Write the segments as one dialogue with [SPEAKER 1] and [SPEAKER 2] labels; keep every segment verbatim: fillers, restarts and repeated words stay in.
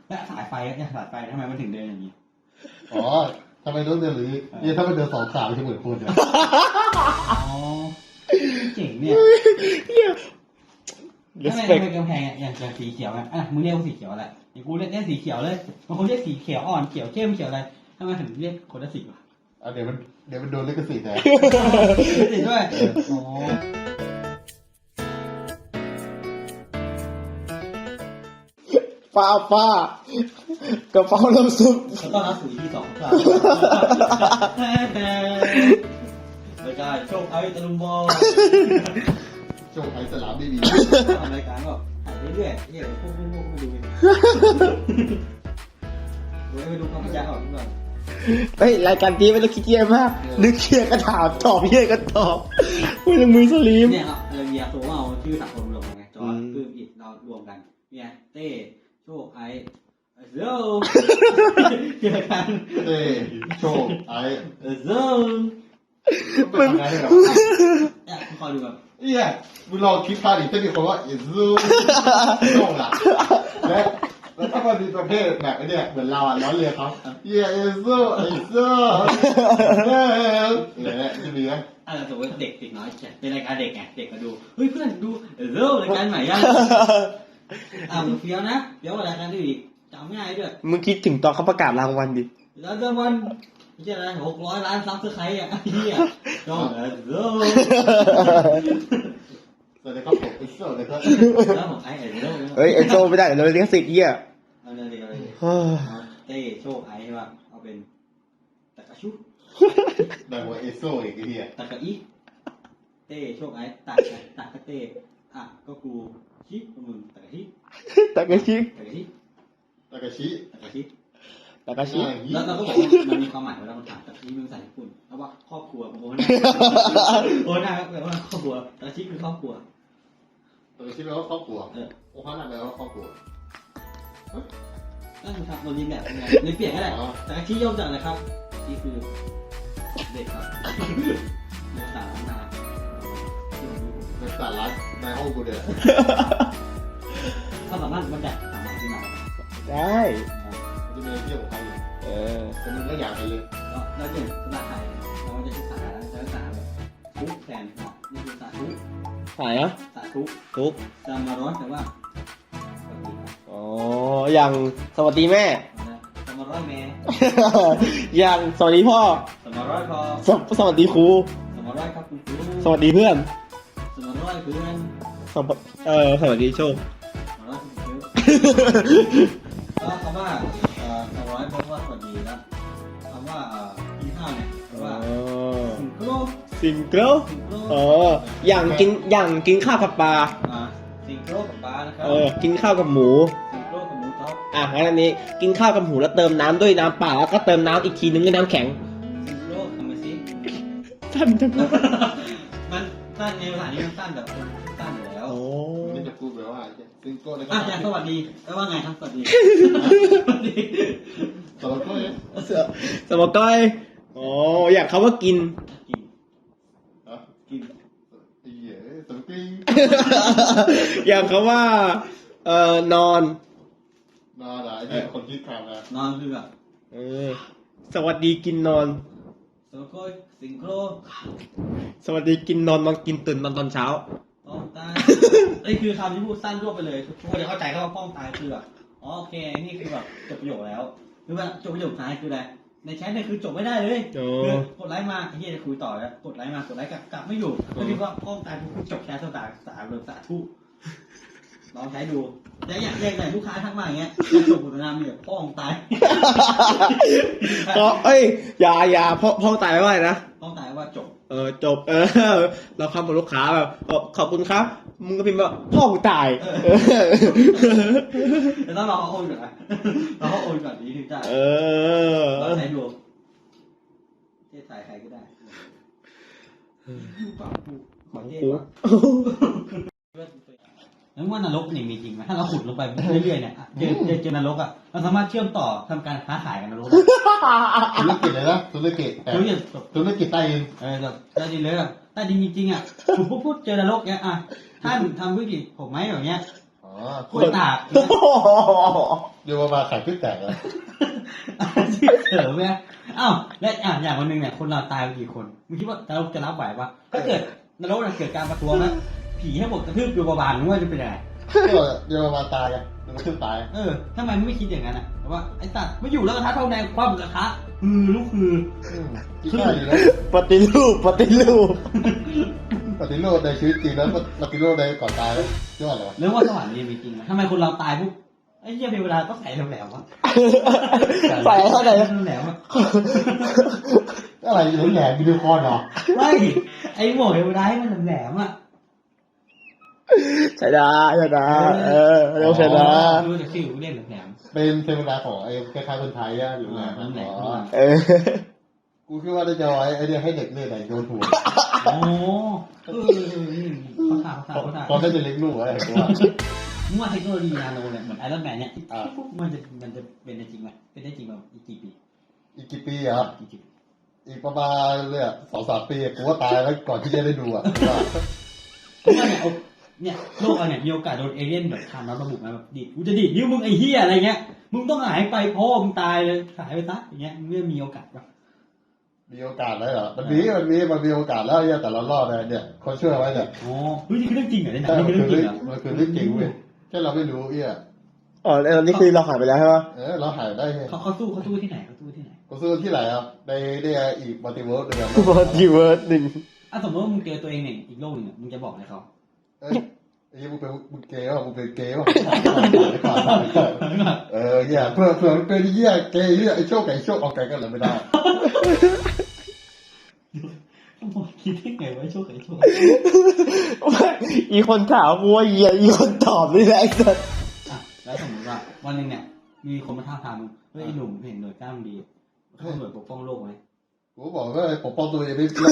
[SPEAKER 1] และสายไฟเนี่ยสายไฟทำไมมันถึงเดินอย่างนี้
[SPEAKER 2] อ๋อทำไมต้องเดินหรือเนี่ยถ้ามันเดินสองขามันจะเหมือนคนเนี่ย
[SPEAKER 1] อ๋อเจ๋งเนี่ยทำไมทำไมกำแพงอย่างจะสีเขียวอ่ะอ่ะมึงเรียกว่าสีเขียวอะไรอย่างกูเรียกเรียกสีเขียวเลยบางคนเรียกสีเขียวอ่อนเขียวเข้มเขียวอะไรทำไมถึงเรียกคนละสีวะ
[SPEAKER 2] อ่ะเดี๋ยวมันเดี๋ยวมันโดนลิขสิทธิ์นะ
[SPEAKER 1] สีด้วยอ๋อ
[SPEAKER 3] ป้าป้ากระเพราน้ำซุป
[SPEAKER 1] แล้วก็รับสู่ที่สองครับรายการโชคไอ้ตะลุมบอล
[SPEAKER 2] โชคไอ้สลามไม่มี
[SPEAKER 1] ทำรายการก็ถ่ายเรื่อยๆเนี่ยพวกพวกพวกมาดูกันเดี๋ยวไปดูความพยายามของก่อน
[SPEAKER 3] เฮ้ยรายการนี้ไม่ต้องคิดเยอะมากนึกเคลียร์ก็ถามตอบเยอะก็ตอบไม่ต้องมือสลีม
[SPEAKER 1] เนี่ยครับเราเมียตัวเอาชื่อสังคมรวมกันไงจอร์ดปื้มอิดเรารวมกันเนี่ยเต้โชคไอ้เจ้าเกี่ยวกัน
[SPEAKER 2] เต้โชคไอ้
[SPEAKER 1] เจ้า
[SPEAKER 2] เป็นไงเหรอ
[SPEAKER 1] เนี่ยคอยดูแบบ
[SPEAKER 2] เนี่ยมึงลองคิดภาพดิถ้ามีคนว่าเอซูโชคอะและแล้วถ้ามันมีประเภทแบบนี้เหมือนเราอ่ะล้อเลียเขาเย่เอซูเอซูเฮ้ยเนี่ยจะมีไหม
[SPEAKER 1] อ่าสมมติเด็กเด็กน้อยเป็นรายการเด็กไงเด็กมาดูเฮ้ยเพื่อนดูเจ้ารายการใหม่ยังอ่ามึงเฟี้ยวนะเฟี้ยวกว่ารายการที่อีกจำง่ายด้วย
[SPEAKER 3] มึงคิดถึงตอนเขาประกาศรางวัลดิ
[SPEAKER 1] แล้วรางวัลไม่ใช่อะไรหกร้อยล้านซับสไครต์อ่ะเฮียจองเออเจ้า
[SPEAKER 2] สวัสดีครับผมเอโซ่เลยครับ
[SPEAKER 1] แล้วของไอ้เอโซ่
[SPEAKER 3] เฮ้ยเอโซ่ไม่ได้เดี๋ยวเราเรียกสิทธิ์เหี้ย
[SPEAKER 1] เอาเลยเอาเลยเต้โชคไอ้ใช่ป่ะเอาเป็นตะกะชุ
[SPEAKER 2] แต่ว่าเอโซ่อีกทีอ่ะ
[SPEAKER 1] ตะกะอีเต้โชคไอ้ตะตะกะเต้อ่ะก็กูชิมึงตะกะชิ
[SPEAKER 3] ตะกะชิ
[SPEAKER 1] ตะกะชิ
[SPEAKER 2] ตะกะชิ
[SPEAKER 1] ตะกะชิ
[SPEAKER 3] ตะกะชิ
[SPEAKER 1] แล้วเราก็บอกว่ามันมีความหมายเวลามันถามตะกะชิมันใส่ญี่ปุ่นแล้วว่าครอบครัวโอ้โหโอ้หน้าแปลว่าครอบครัวตะกะชิคือครอบครัว
[SPEAKER 2] ตะกะชิแปลว่าครอบครัวเออโอ้ฮานาแปลว่าครอบครัว
[SPEAKER 1] นั่นคือครับเราเรียนแบบไงเลยเปลี่ยนก็ได้แต่ที่ย่อมจากอะไรครับนี่คือเด็กครับโมสามนา
[SPEAKER 2] ในสาระในห้องกูเดียว
[SPEAKER 1] ถ้าสามารถมันจะสามารถที่มา
[SPEAKER 3] ได้
[SPEAKER 2] จะมีเที่ยวของใครอยู่
[SPEAKER 3] เออ
[SPEAKER 2] แต่มึงไม่อยากไปเลย
[SPEAKER 1] แล้วเนี่ยภาษาไทยเราจะใช้ภาษาแล้วใช้ภาษาแบบทุกแทนเนาะนี่คือภาษาทุก
[SPEAKER 3] ภาษาเหรอ
[SPEAKER 1] ภาษาทุก
[SPEAKER 3] ทุก
[SPEAKER 1] จะมาร้อนแต่ว่า
[SPEAKER 3] อ๋ออย่างสวัสดีแม่
[SPEAKER 1] สมาร้อยแม่
[SPEAKER 3] อย่างสวัสดีพ่อ
[SPEAKER 1] สมาร้อยพ่อ
[SPEAKER 3] สวัสดีครู
[SPEAKER 1] สมาร้อยครับคุณครู
[SPEAKER 3] สวัสดีเพื่อน
[SPEAKER 1] สมาร้อยเพื่อน
[SPEAKER 3] เออสวัสดีโชค
[SPEAKER 1] สมาร้อยคุณครูก็คำว่าเอ่อสมาร้อยเพราะว่าสวัสดีนะคำว่ากินข้าวเนี่ยคำว่าสิงโกร
[SPEAKER 3] สิงโกรอ๋ออย่างกินอย่างกินข้าวกับปลา
[SPEAKER 1] สิงโกรกับปลานะครับ
[SPEAKER 3] เออกินข้าวกับหมู
[SPEAKER 1] สิงโกรกับหมูท็อป
[SPEAKER 3] อ่ะงั้นอันนี้กินข้าวกับหมูแล้วเติมน้ำด้วยน้ำเปล่าแล้วก็เติมน้ำอีกทีนึงด้วยน้ำแข็ง
[SPEAKER 1] สิงโกรทำไมสิ
[SPEAKER 3] สั้นจังเลย
[SPEAKER 1] มันสั้นในภาษานี้มันสั้นแบบสั้นอยู่แล้ว
[SPEAKER 3] โอ้
[SPEAKER 2] ไม่จะพูดแบบว่าสิงโกรเลย
[SPEAKER 1] อ่ะอย่างสวัสดีแปลว่าไงครับสวัสดี
[SPEAKER 2] สวัสดีสวัสดี
[SPEAKER 3] สวัสดีอ๋ออยากเขาว่ากิน
[SPEAKER 1] กินกิน
[SPEAKER 2] เย่สวัสดี
[SPEAKER 3] อยากเขาว่าเอ่อนอน
[SPEAKER 2] นอนอะไรเนี่ยคนคิดคำนะ
[SPEAKER 1] นอนคือแบบ
[SPEAKER 3] เออสวัสดีกินนอน
[SPEAKER 1] สวัสดีสิงโกร
[SPEAKER 3] สวัสดีกินนอนนอนกินตื่นนอนตอนเช้า
[SPEAKER 1] ป้องตายนี่คือคำที่พูดสั้นรวบไปเลยทุกคนจะเข้าใจว่าป้องตายคือแบบอ๋อโอเคนี่คือแบบจบประโยคแล้วหรือว่าจบประโยคท้ายคืออะไรในแชทเนี่ยคือจบไม่ได้เลยคือกดไลค์มาไอ้เหี้ยจะคุยต่อแล้วกดไลค์มากดไลค์กลับกลับไม่อยู่ก็คิดว่าป้องตายกูจบแชทสตาร์สามเรื่องสาธุลองใช้ดูแล้วอยากเรียกแต่ลูกค้าทักมาอย่างเงี้ยจะจบบทนามเนี่ยป้องตาย
[SPEAKER 3] ก็เอ้ยอย่าอย่าพ่อพ่อตายไม่ไหวนะ
[SPEAKER 1] ป้องตายว่าจบ
[SPEAKER 3] เออจบเออเราคำกับลูกค้าแบบขอบคุณครับมึงก็พิมพ์ว่าพ่อกูตาย
[SPEAKER 1] แต่ต้องรอเขาโอนก่อนนะรอเขาโอนก่อนดีถึงจะ
[SPEAKER 3] เออ
[SPEAKER 1] เราใช้ดูเทศไทยใครก็ได้ปากกูขอเทศวะแล้วว่านรกเนี่ยมีจริงไหมถ้าเราขุดลงไปเรื่อยๆเนี่ยเจอเจอเจอนรกอ่ะเราสามารถเชื่อมต่อทำการค้าขายกันนรก
[SPEAKER 2] ธุรกิจเลยนะธุรกิจธุรกิจธุรกิจใต้ดิน
[SPEAKER 1] เออแบบใต้ดินเลยอ่ะใต้ดินจริงๆอ่ะผมพูดพูดเจอนรกเนี่ยอ่ะท่านทำธุรกิจผมไหมแบบเนี้ยกล้วยตาก
[SPEAKER 2] เดี๋ยวมาขายขึ้นแตกเลย
[SPEAKER 1] ที่เสริมเนี่ยอ้าวและอ่ะอย่างวันหนึ่งเนี่ยคนเราตายไปกี่คนมึงคิดว่าจะจะรับไหวปะถ้าเกิดนรกเนี่ยเกิดการประท้วงนะผีให้หมดกระทืบโยบาลมึงว่าจะเป็นยังไง
[SPEAKER 2] ก็เดี๋ยวมาตายกันเดี๋ยวมาขึ้นตาย
[SPEAKER 1] เออทำไมไม่คิดอย่างนั้นอ่ะแต่ว่าไอ้สัตว์ไม่อยู่แล้วกระทะทองแดงความกระทะฮือลูกฮือ
[SPEAKER 2] ที่ง่ายอยู่แล้ว
[SPEAKER 3] ปฏิรูปปฏิรูป
[SPEAKER 2] ปฏิรูปในชีวิตจริงแล้วปฏิรูปในก่อนตายแล้วยอดเลยวะ
[SPEAKER 1] เรื่องว่าสวรรค์นี่มีจริงไหมทำไมคนเราตายปุ๊บไอ้เหี้ยเทวดาต้องใส่แหลมๆวะ
[SPEAKER 3] ใส่เท่าไหร่
[SPEAKER 1] แหลมๆวะ
[SPEAKER 2] อะไรแหลมๆวิดีโอคอลเหรอ
[SPEAKER 1] ไม่ไอ้หมวกเทวดาให้มันแหลมๆอ่ะ
[SPEAKER 3] ใช่ได้ใช่ได้เออเร็วใช่ได้
[SPEAKER 1] ดูแต่ฟิวเล่นแหลม
[SPEAKER 2] เป็นเทวดาของไอ้คล้ายๆคนไทยอะอยู่
[SPEAKER 1] ๆ
[SPEAKER 2] แหล
[SPEAKER 1] อ่าม มันแหลม
[SPEAKER 2] อ๋อ
[SPEAKER 3] เออ
[SPEAKER 2] กูคิดว่าได้จะไว้ไอ้เนี่ยให้เด็กเล่นไหนโยนหัว
[SPEAKER 1] โอ้เออเขาถามเขาถามเขาถาม
[SPEAKER 2] ตอนนั้นจะเลี้ยงลูกไว้กูว่า
[SPEAKER 1] มึงว่าเทคโนโลยีนาโนเนี่ยเหมือนไอรอนแมนเนี่ย
[SPEAKER 2] อ่า
[SPEAKER 1] ปุ๊บมันจะมันจะเป็นได้จริงไหมเป็นได้จริงแบบอีกกี่ปี
[SPEAKER 2] อีกกี่ปีอ่ะ
[SPEAKER 1] อีกกี่ปี
[SPEAKER 2] อีกประมาณเนี่ยสองสามปีกูว่าตายแล้วก่อนที่จะได้ดูอ่ะกูว่า
[SPEAKER 1] เพราะว่าเนี่ยเอาเนี่ยโลกเราเนี่ยมีโอกาสโดนเอเลี่ยนแบบทำแล้วระบุมาแบบดิดกูจะดิดนิ้วมึงไอ้เหี้ยอะไรเงี้ยมึงต้องหายไปพ่อมึงตายเลยหายไปซะอย่างเงี้ยมึงไม่มีโอกาสปะ
[SPEAKER 2] มีโอกาสแล้วเหรอมันมีมันมีมันมีโอกาสแล้วเนี่ยแต่เรารอดเลยเนี่ยคนช่วยไว้เนี่ย
[SPEAKER 1] อ๋อเฮ้ยนี่คือเรื่องจริงเหรอเนี่ย
[SPEAKER 2] ใช่
[SPEAKER 1] นี่
[SPEAKER 2] มัน
[SPEAKER 1] คือ
[SPEAKER 2] คื
[SPEAKER 1] เรื่
[SPEAKER 2] อ
[SPEAKER 1] องจ
[SPEAKER 2] เรื่อง
[SPEAKER 1] ริงเหรอ
[SPEAKER 2] มันคือเรื่องจริงเว้ยแค่เราไม่รู้เอี้ย
[SPEAKER 3] อ๋อแล้วนี่คือเราหายไปแล้วใช่ปะ
[SPEAKER 2] เออเราหายได้ไง
[SPEAKER 1] เขาเขาสู้เขาสู้ที่ไหนเขาสู้ที่ไหน
[SPEAKER 2] กูซื้อที่ไหนอ่ะในในอีกมัลติเวิร์สเลย
[SPEAKER 3] บอดี้เวิร์ดหนึ่ง
[SPEAKER 1] อ่ะสมมติว่ามึงเจอตัวเองเนี่ยอีกโลกหนึงอะมึงจะบอกอะไรเขา
[SPEAKER 2] เอ้ยไอ้มึงเป็นมึงเกย์ป่ะมึงเป็นเกย์ป่ะเออเนี่ยเผื่อเผื่อมันเป็นเหี้ยเกย์เหี้ยไอ้โชคไก่โชคเอาไก่กันเลยไม่ได้
[SPEAKER 1] ผมคิดได้ไงว่าโชคไอ้โชค
[SPEAKER 3] อีคนถามกูว่าเหี้ยอีคนตอบนี่แหละไอ้สัส
[SPEAKER 1] อ่ะแล้วสมมติว่าวันหนึ่งเนี่ยมีคนมาท้าทายมึงเฮ้ยไอ้หนุ่มเห็นหน่วยกล้ามดีเขาหน่วยปกป้องโลกไหม
[SPEAKER 2] กูบอกว่าปกป้องตัวเองไม่รอ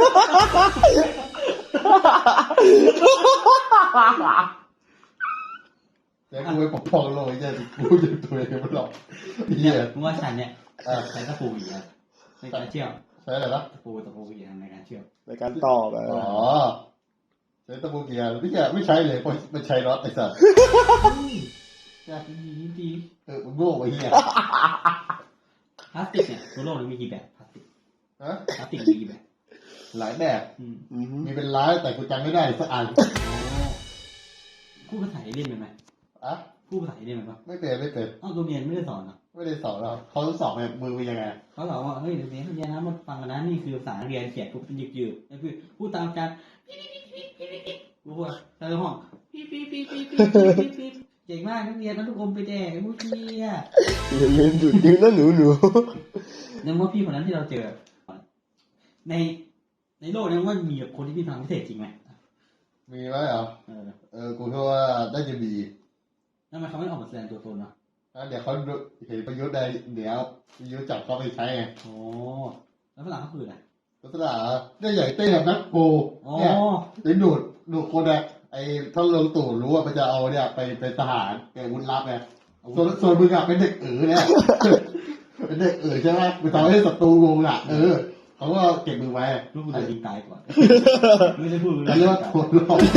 [SPEAKER 2] ดแต่กูไปปกป้องโลกไอ้เหี้ยกูจะตัวเองไม่รอดเหี้ย
[SPEAKER 1] มึงว่าฉันเนี่ยใช้ตะปูอีกแล้วในการเชื่อม
[SPEAKER 2] ใช่อะไรนะ
[SPEAKER 1] ตะปูตะปูอีกในการเชื่อม
[SPEAKER 3] ในการตอบอะ
[SPEAKER 2] อ๋อใช้ตะปูเกียร์ไม่ใช่ไม่ใช้เลยเพราะมันใช้น็อตไอ้สัส
[SPEAKER 1] อยากดีดี
[SPEAKER 2] เออมึงโง่ไอ้เหี้ย
[SPEAKER 1] พลาสติกเนี่ยตัวโลกนี้มีกี่แบบพลาสติก
[SPEAKER 2] ฮะ
[SPEAKER 1] พลาสติกมีกี่แบบ
[SPEAKER 2] หลายแบบ
[SPEAKER 1] อืม
[SPEAKER 3] อือฮึ
[SPEAKER 2] มีเป็นร้ายแต่กูจำไม่ได้สักอัน
[SPEAKER 1] โอ้พูดภาษาเอเลี่ยนเป็นไหม
[SPEAKER 2] อะ
[SPEAKER 1] พูดภาษาเอเลี่ยนเป็นปะ
[SPEAKER 2] ไม่เป็นไม่เป็น
[SPEAKER 1] อ้าวตัวเรียนไม่ได้สอนเหรอ
[SPEAKER 2] ไม่ได้สอนเราเขาสอนแบบมือเป็นยังไง
[SPEAKER 1] เขาบอกว่าเฮ้ยเดี๋ยวนี้เรียนนะมาฟังกันนะนี่คือภาษาเรียนเขียนปุ๊บเป็นยืดยืดๆแล้วคือพูดตามการกูพูดใส่ห้องปี๊ปี๊ปี๊ปี๊ปี๊ปี๊ปี๊เก่งมากนักเรียนนักทุกคนไปแจกไอ้พวกเนี้ย
[SPEAKER 3] อย่าลืมดูดนิ้วนะหนูหนู
[SPEAKER 1] ในเมื่อพี่คนนั้นที่เราเจอ ในในโลกนี้ว่ามีคนที่มีพลังพิเศษจริงไหม
[SPEAKER 2] มีไหมเหรอ
[SPEAKER 1] เออ
[SPEAKER 2] เออกูคิดว่าได้จะมี
[SPEAKER 1] ทำไมเขาไม่ออกมาแสดงตัวตนอ่ะ
[SPEAKER 2] นะเดี๋ยวเขาเห็นประยุทธ์ได้เดี๋ยวประยุทธ์จับเขาไปใช้ไง
[SPEAKER 1] โอ้แล้วฝรั่งเขาคืออะไร
[SPEAKER 2] ลักษณะได้ใหญ่เต้แบบนักโก
[SPEAKER 1] อ๋อ
[SPEAKER 2] เนี่ยไปดูดดูดคนอะไอ้ท่านลงตู่รู้ว่ามันจะเอาเนี่ยไปเป็นทหารเป็นอาวุธลับไงส่วนส่วนมึงอะเป็นเด็กเอ๋อเนี่ย เป็นเด็กเอ๋อใช่ไหมมึงทำให้ศัตรูงงอะเออเขาก็เก็บมือไว้
[SPEAKER 1] ลูกกูโดนยิงตายก่อนไม่ได้พูดเล
[SPEAKER 2] เรียกว่าตัวรอด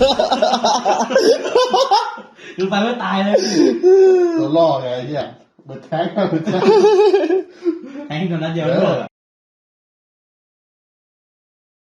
[SPEAKER 1] คือไปว่าตายเลย
[SPEAKER 2] ตัวล่อไงไอ้เนี่ยเหมือนแท้งเหมือนแท้ง
[SPEAKER 1] แทงคนนั้นเดียวเลย